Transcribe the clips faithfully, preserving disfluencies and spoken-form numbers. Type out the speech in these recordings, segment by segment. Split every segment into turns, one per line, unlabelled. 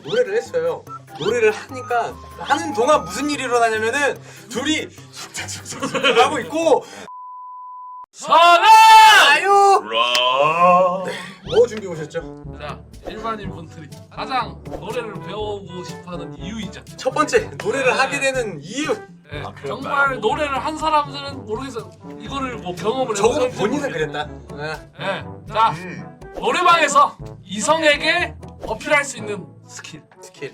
노래를 했어요. 노래를 하니까 하는 동안 무슨 일이 일어나냐면은 둘이 속삭속삭 하고 있고
선아!
아유!
라.
네, 뭐 준비 오셨죠?
자, 일반인 분들이 가장 노래를 배우고 싶어하는 이유이자
첫 번째 노래를
네.
하게 되는 이유.
네,
아, 그럴까요?
정말 노래를 한 사람들은 모르겠어 이거를 뭐 경험을
적어도
해보는지
본인은
모르겠는데.
그랬다. 네.
네, 자
음.
노래방에서 이성에게 어필할 수 있는 스킬.
스킬.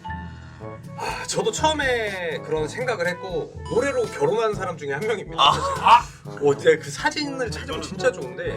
아, 저도 처음에 그런 생각을 했고 노래로 결혼한 사람 중에 한 명입니다.
아.
사실.
아,
어, 제가 그 사진을 찾으면 진짜 좋은데.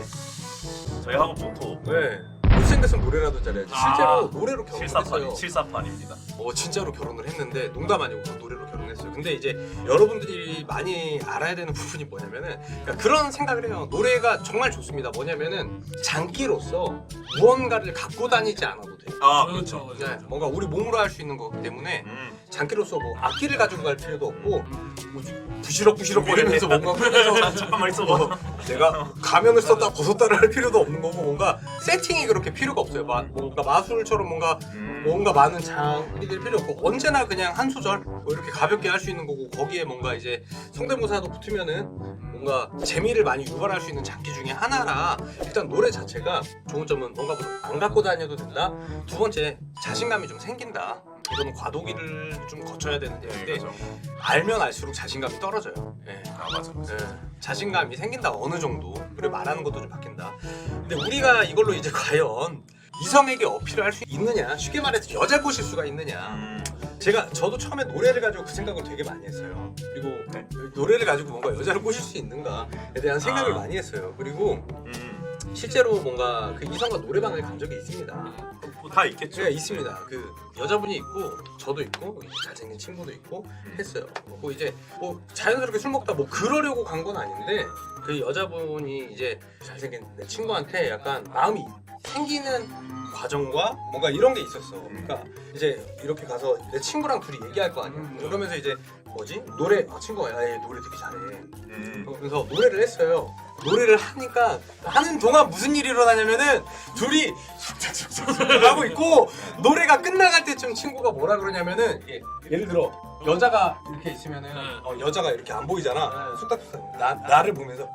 저희 학원 모토
네. 못생겼으면 노래라도 잘해야지.
아.
실제로 노래로 결혼했어요.
칠사팔 칠사팔입니다.
어 진짜로 결혼을 했는데 농담 아니고 노래로 결혼했어요. 근데 이제 여러분들이 많이 알아야 되는 부분이 뭐냐면은 그러니까 그런 생각을 해요. 노래가 정말 좋습니다. 뭐냐면은 장기로서 무언가를 갖고 다니지 않아도 돼요.
아,
그렇죠.
네,
그렇죠.
뭔가 우리 몸으로 할 수 있는 거기 때문에
음.
장기로서 뭐 악기를 가지고 갈 필요도 없고 뭐 부시럭부시럭 거리면서 뭔가
자,
꺼내서
잠깐만 있어봐.
어, 내가 가면을 썼다 벗었다를 할 필요도 없는 거고 뭔가 세팅이 그렇게 필요가 없어요. 마, 뭔가 마술처럼 뭔가
음.
뭔가 많은 장비들 필요 없고 언제나 그냥 한 소절 뭐 이렇게 가볍게 할 수 있는 거고 거기에 뭔가 이제 성대모사도 붙으면은 뭔가 재미를 많이 유발할 수 있는 장기 중에 하나라 일단 노래 자체가 좋은 점은 뭔가 뭐안 갖고 다녀도 된다. 두 번째 자신감이 좀 생긴다. 이거는 과도기를 좀 거쳐야 되는
네,
얘기인데
그렇죠.
알면 알수록 자신감이 떨어져요. 예.
아, 맞아, 맞아.
예, 자신감이 생긴다 어느 정도 그리고 말하는 것도 좀 바뀐다. 근데 우리가 이걸로 이제 과연 이성에게 어필을 할 수 있느냐 쉽게 말해서 여자 꼬실 수가 있느냐.
음.
제가 저도 처음에 노래를 가지고 그 생각을 되게 많이 했어요. 그리고
네.
노래를 가지고 뭔가 여자를 꼬실 수 있는가에 대한 생각을
아.
많이 했어요. 그리고
음.
실제로 뭔가 그 이성과 노래방을 간 적이 있습니다.
뭐다 있겠죠.
제가 있습니다. 그 여자분이 있고 저도 있고 잘생긴 친구도 있고 했어요. 뭐 이제 뭐 자연스럽게 술 먹다 뭐 그러려고 간 건 아닌데 그 여자분이 이제 잘생긴 내 친구한테 약간 마음이 생기는 과정과 뭔가 이런 게 있었어. 그러니까 이제 이렇게 가서 내 친구랑 둘이 얘기할 거 아니야. 그러면서 이제 뭐지 노래 아, 친구가 야, 얘 노래 되게 잘해.
음.
그래서 노래를 했어요. 노래를 하니까 하는 동안 무슨 일이 일어나냐면은 둘이 속삭속삭 하고 있고 노래가 끝나갈 때쯤 친구가 뭐라 그러냐면은 예, 예를 들어 여자가 이렇게 있으면은 어, 여자가 이렇게 안 보이잖아. 속닥속닥 나 나를 보면서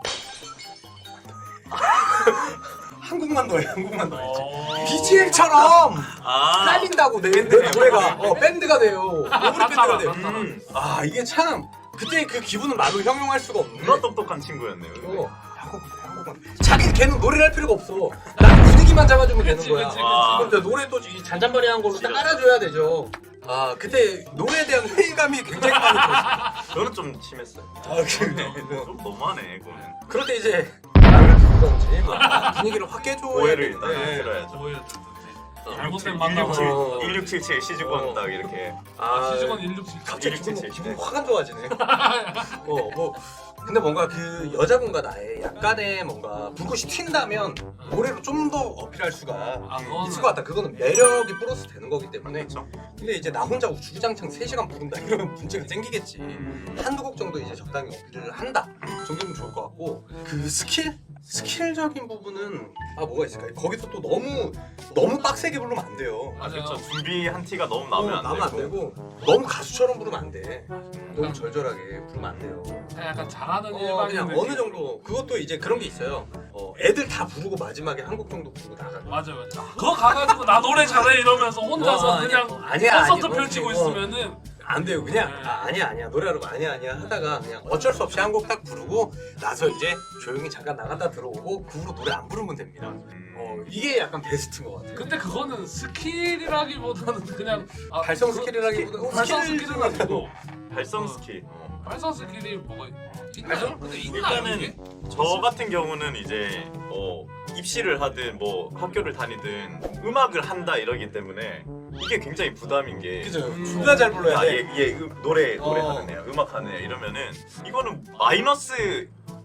한국만 더해 한국만 더 해.
어...
비지엠처럼
아.
깔린다고 내, 내 노래가 어, 밴드가 돼요. 오브리 밴드가 돼요.
음.
아 이게 참 그때 그 기분은 말로 형용할 수가 없는데.
누가 똑똑한 친구였네요. 근데.
어, 한국만 해, 한국만. 자기 걔는 노래를 할 필요가 없어. 난 분위기만 잡아주면 되는
그치,
거야.
그치,
와.
근데 노래 또 이 잔잔바리한 걸로 딱 깔아줘야 되죠. 아 그때 노래에 대한 회의감이 굉장히 많이 들었어.
저는 좀 심했어요.
아 그래.
좀 너무하네, 그거는.
그럴 때 이제 나를 부르던지 뭐 분위기를 확 깨줘야
오해를 일단
되는데.
들어야죠.
오해 잘못된 만남을
어.
일육칠칠 시즈권
어.
딱 이렇게.
아, 시즈건 일육칠
갑자기 기분,
일육칠칠.
기분 확 안 좋아지네. 어, 뭐 근데 뭔가 그 여자분과 나의 약간의 뭔가 불꽃이 튄다면 노래로 좀 더 어필할 수가
아, 그거는-
있을 것 같다. 그거는 매력이 플러스 되는 거기 때문에.
그렇죠.
근데 이제 나 혼자 주구장창 세 시간 부른다 이러면 문제가 생기겠지.
음.
한두 곡 정도 이제 적당히 어필을 한다 정도면 좋을 것 같고 그 스킬? 스킬적인 부분은 아 뭐가 있을까요? 거기서 또 너무 너무 빡세게 부르면 안 돼요.
맞아요.
그렇죠. 준비한 티가 너무 나면
어,
안
나면 안
되고.
되고 너무 가수처럼 부르면 안 돼. 너무 절절하게 부르면 안 돼요.
그냥 약간 잘하는
어,
일반인
그냥
느낌.
어느 정도 그것도 이제 그런 게 있어요. 어, 애들 다 부르고 마지막에 한 곡 정도 부르고 나가.
맞아 맞아. 그거 가가지고 나 노래 잘해 이러면서 혼자서
어, 아니야.
그냥
아니야,
콘서트
아니야.
펼치고
어.
있으면은
안 돼요. 그냥 아, 아니야 아니야 노래하라고 아니야 아니야 하다가 그냥 어쩔 수 없이 한 곡 딱 부르고 나서 이제 조용히 잠깐 나갔다 들어오고 그 후로 노래 안 부르면 됩니다.
음.
어, 이게 약간 베스트인 것 같아요.
근데 그거는 스킬이라기보다는 그냥 아,
발성
그-
스킬이라기보다 어,
발성
스킬
스킬은 아니고
발성
어.
스킬.
발성 스킬이 뭐가 있나요?
발성?
근데 있나요 이게?
일단은 저 같은 경우는 이제 어, 입시를 하든 뭐 학교를 다니든 음악을 한다 이러기 때문에 이게 굉장히 부담인 게.
그죠?
음.
존나 잘 불러야
아,
돼.
얘, 얘 음, 노래 노래
어.
하는 애야, 음악 하는 애 이러면은 이거는 마이너스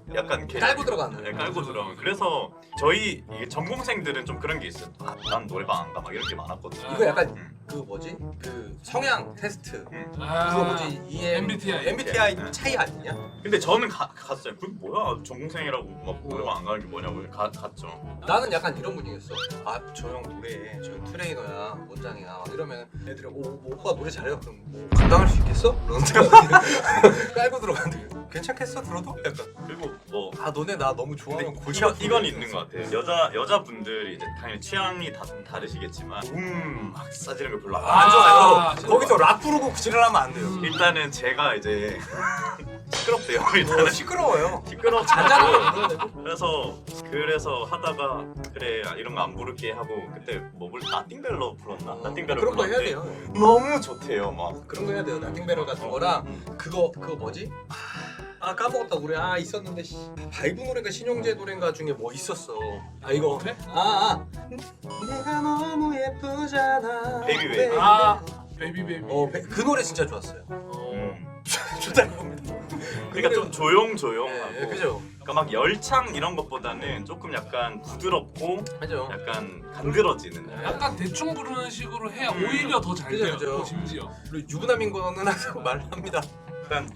약간 개-
깔고 들어가는.
네, 깔고 들어가는. 그래서 저희 이게 전공생들은 좀 그런 게 있어요. 아, 난 노래방 안 가 막 이런 게 많았거든요.
이거 약간
음.
그 뭐지? 그 성향 테스트.
아,
그거 뭐지? 이엠
엠비티아이.
엠비티아이 차이 아니냐?
근데 저는 가, 갔어요. 그 뭐야 전공생이라고 막 노래방 안 가는 게 뭐냐고 가, 갔죠.
나는 약간 이런 분위기였어. 아 저 형 노래해. 저 형 트레이너야, 원장이야. 막 이러면 애들이 오, 뭐, 오빠 노래 잘해요. 그럼 뭐 감당할 수 있겠어? 그러는데 깔고 들어가는데 괜찮겠어? 들어도? 약간.
그리고 뭐
아 너네 나 너무
근데
좋아하면 골
이건, 이건 있는 것 같아요. 여자 여자분들이 이제 당연히 취향이 다 다르시겠지만 음막 싸지는 거 별로
아,
안 좋아요.
아,
거기서 락 부르고 지랄하면 안 돼요.
음.
일단은 제가 이제 시끄럽대요.
어,
일단은
시끄러워요.
시끄러
잔잔한 거.
그래서 그래서 하다가 그래 이런 거 안 부를게 하고 그때 뭐 불 나띵벨러 불렀나? 나띵벨러
그런 거 해야
불렀는데
돼요.
너무 좋대요 막.
그런 거 해야 돼요. 나팅베럴 같은 거랑 그거 그거 뭐지? 아 까먹었다 노래 아 있었는데 씨. 바이브 노래가 신용재 노래인가 중에 뭐 있었어. 아 이거
그래?
아, 아. 내가 너무 예쁘잖아.
베이비 베이비.
아 베이비 베이비.
어, 배- 그 노래 진짜 좋았어요.
음.
좋다는 겁니다.
그러니까 좀 조용조용하고
네, 그죠.
그러니까 막 열창 이런 것보다는 조금 약간 부드럽고
그죠.
약간 간드러지는
네.
약간 대충 부르는 식으로 해야
음.
오히려 더 잘
그죠,
돼요.
그죠.
또 심지어.
그리고 유부남인 거는 항상 말합니다.
약간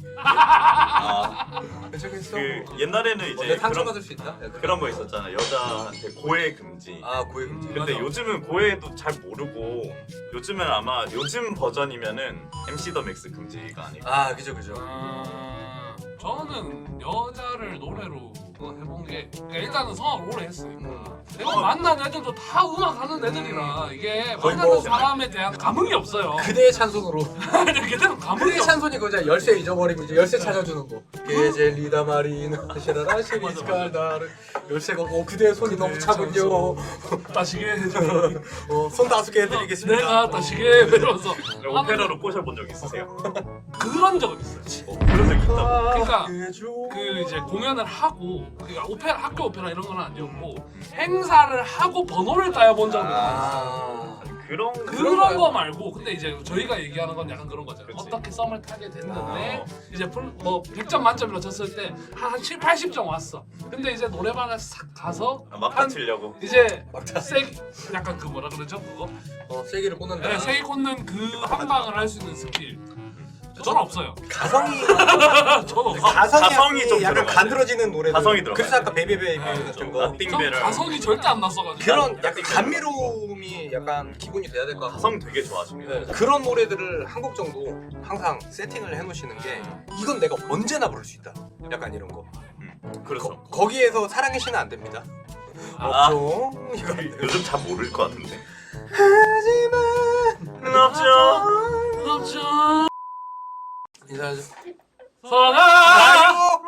아,
괜찮겠어?
그 옛날에는
어,
이제
내 상처
그런,
받을 수 있다. 약간.
그런 거 있었잖아. 여자한테 고해 금지.
아 고해 금지.
음.
근데
맞아.
요즘은 고해도 잘 모르고 요즘은 아마 요즘 버전이면은 엠씨 더 맥스 금지가 아닐까.
아 그죠 그죠.
아, 저는 여자를 노래로 그거 해본 게 그러니까 일단은 성악을 오래 했으니까
음.
내가 만난 애들도 다 음악 하는 애들이라 이게
거의
만나는
뭐-
사람에 대한 감흥이 없어요.
그대의 찬송으로.
걔들은 감흥이
그대의
없어.
찬송이 그거잖아. 열쇠 잊어버리고 이제 열쇠 찾아주는 거. 게젤리다 마리나 시라라 시리스칼다르 열쇠가 어 그대의 손이 너무 차군요.
다시게 해줘.
어, 손 다섯 개 해드리겠습니다.
내가 다시게 이러면서
오페라로 꼬셔본 적 있으세요?
그런 적은 있어요.
어, 그런 적 있다고.
그러니까
해줘.
그 이제 공연을 하고 그러니까 오페라 학교 오페라 이런 건 아니었고 행사를 하고 번호를 따여본 적은 있어요.
아.
그런
그런
거야?
거 말고 근데 이제 저희가 얘기하는 건 약간 그런 거잖아요.
그치.
어떻게 썸을 타게 됐는데
어.
이제 풀, 뭐 백 점 만점으로 쳤을 때 한 칠, 팔십 점 왔어. 근데 이제 노래방을 싹 가서
아, 막
한-
다치려고.
이제
막타.
세 약간 그 뭐라 그러죠 그거?
어 세기를 꽂는다.
네, 세이 꽂는 그 한 방을 할 수 있는 스킬. 저는 없어요.
가성이
저는 없어요.
가성이,
가성이 좀
약간
들어가야
간드러지는 노래.
가성이 들어가야
그래서 아까 베이비베이비
아,
같은
그렇죠.
거.
나띵-
전
띵배를.
가성이 절대 안 났어가지고.
그런 약간 감미로움이 약간 기본이 돼야 될 것 같고.
가성 되게 좋아하십니다.
네, 그런 노래들을 한 곡 정도 항상 세팅을 해놓으시는 게 이건 내가 언제나 부를 수 있다. 약간 이런 거.
음, 그렇죠.
거, 거기에서 사랑의 신은 안 됩니다.
아.
없죠. 이거 안 돼요.
요즘 잘 모를 것 같은데.
하지만
없죠.
그렇죠.
인사하죠.
사랑아.
아유.